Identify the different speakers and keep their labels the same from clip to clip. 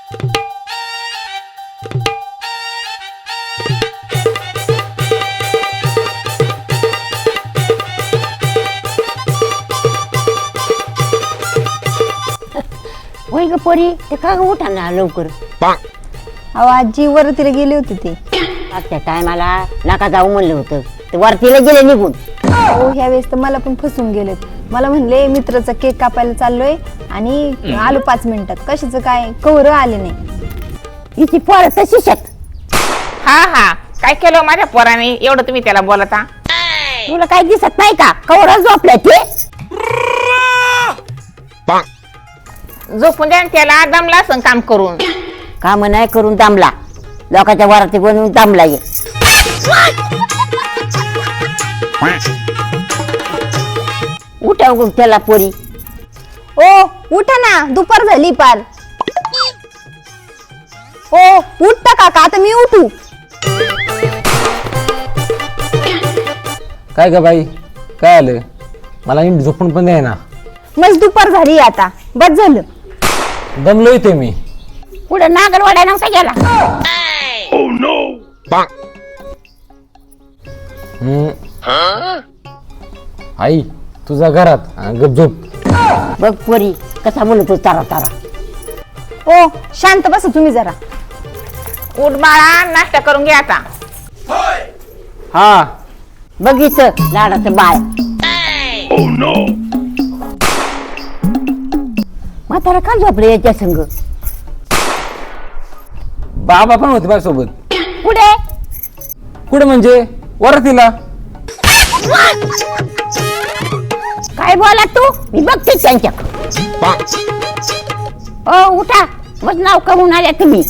Speaker 1: होय ग पोरी, ते का ग उठा ना लवकर.
Speaker 2: अहो आजी वरतीला गेली होती ती.
Speaker 1: आजच्या टायमाला नका जाऊ म्हणलं होतं, ते वरतीला गेले निघून.
Speaker 2: हो ह्या वेळेस तर मला पण फसून गेलेत. मला म्हणले मित्राचा केक कापायला चाललोय आणि आलो 5 मिनिटात. कशाचं काय कवर आले नाही.
Speaker 1: हिची पोरं तशीच आहेत.
Speaker 3: हा काय केलं माझ्या पोराने एवढं तुम्ही त्याला बोलता.
Speaker 1: तुला काही दिसत नाही का कवर झोपल्या ते.
Speaker 3: झोपून द्या त्याला, दमला असं काम करून.
Speaker 1: काम नाही करून दामला, लोकांच्या वराती बनवून दामला ये. उठा उगून त्याला पोरी.
Speaker 2: ओ उठा ना, दुपार झाली पार. ओ उठता काका, आता मी उठू.
Speaker 4: काय ग बाई, काय आलं? मला नीट झोपून पण द्याय ना.
Speaker 2: मग दुपार झाली आता, बस झालं.
Speaker 4: दमलो इथे मी.
Speaker 1: पुढे नागरवाड्या नव्हता गेला.
Speaker 4: आई तुझा घरात गप झोप.
Speaker 1: बघ पोरी कसा बोलतो तारा तारा.
Speaker 2: ओ शांत बसा तुम्ही जरा.
Speaker 3: उठ बाळा, नाश्ता करून घे आता.
Speaker 4: हा
Speaker 1: बघितलं लाडाचं बाळ. म्हातारा का झोपले याच्या संग.
Speaker 4: बाबा पण होते माझ्यासोबत.
Speaker 1: पुढे
Speaker 4: कुठे म्हणजे वरतीला.
Speaker 1: काय बोला तू, मी बघते त्यांच्या. ओ उठा, मग नाव करून आल्या तुम्ही.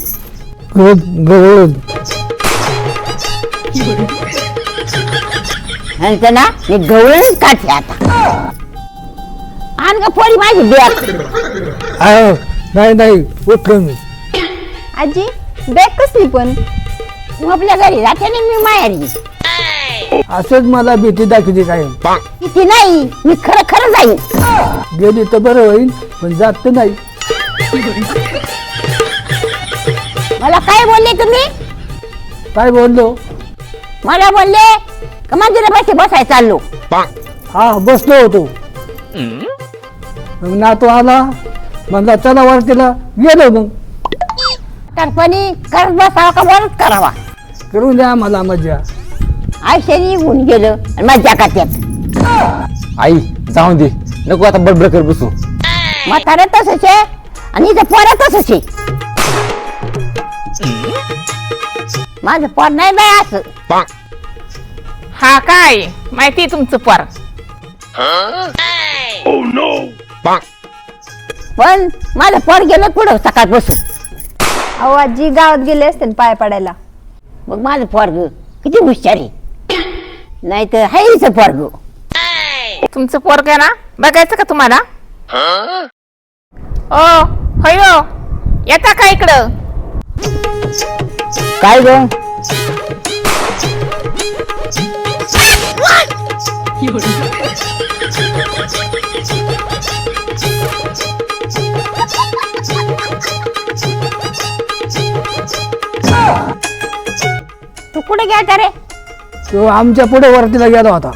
Speaker 1: ह्यांचं ना मी गवळण काढते आता. आण ग पोरी माझी बॅग.
Speaker 4: नाही उठलो मी.
Speaker 2: आजी बॅग कसली पण.
Speaker 1: तू आपल्या घरी राहते ना, मी माहेरी.
Speaker 4: असंच मला भीती दाखवते काय.
Speaker 1: किती नाही, मी खरं खरं जाईन.
Speaker 4: गेली तर बरं होईल, पण जात नाही.
Speaker 1: मला काय बोलले तुम्ही.
Speaker 4: काय बोललो.
Speaker 1: मला बोलले का मंदिरापाशी बसायला चाललो.
Speaker 4: हा बसलो होतो. मग नातू आला, म्हणला चला वरतीला. गेलो मग.
Speaker 1: तरपणी करत बसावा का वरच करावा.
Speaker 4: करून द्या मला मजा.
Speaker 1: आयुष्य निघून गेलं आणि मज्जा करतात.
Speaker 4: आई जाऊन दे, नको आता बडबड कर बसू.
Speaker 1: म्हातारा तसंच आहे आणि इथं पोरं तसंच आहे. माझं पोर नाही बाय असं.
Speaker 3: हा काय माहिती तुमचं पोर.
Speaker 1: पण माझं पोर गेलं पुढं सकाळ बसून.
Speaker 2: अहो आजी गावात गेले असते ना पाय पडायला.
Speaker 1: मग माझं पोरग किती हुशार आहे. नाही तर हायच पोरग.
Speaker 3: तुमचं पोर काय ना बघायचं का तुम्हाला. ओ होयो, येता का इकडं.
Speaker 1: काय ग. तू कुठे गेला रे.
Speaker 4: तो आमच्या पुढे वरतीला गेला होता.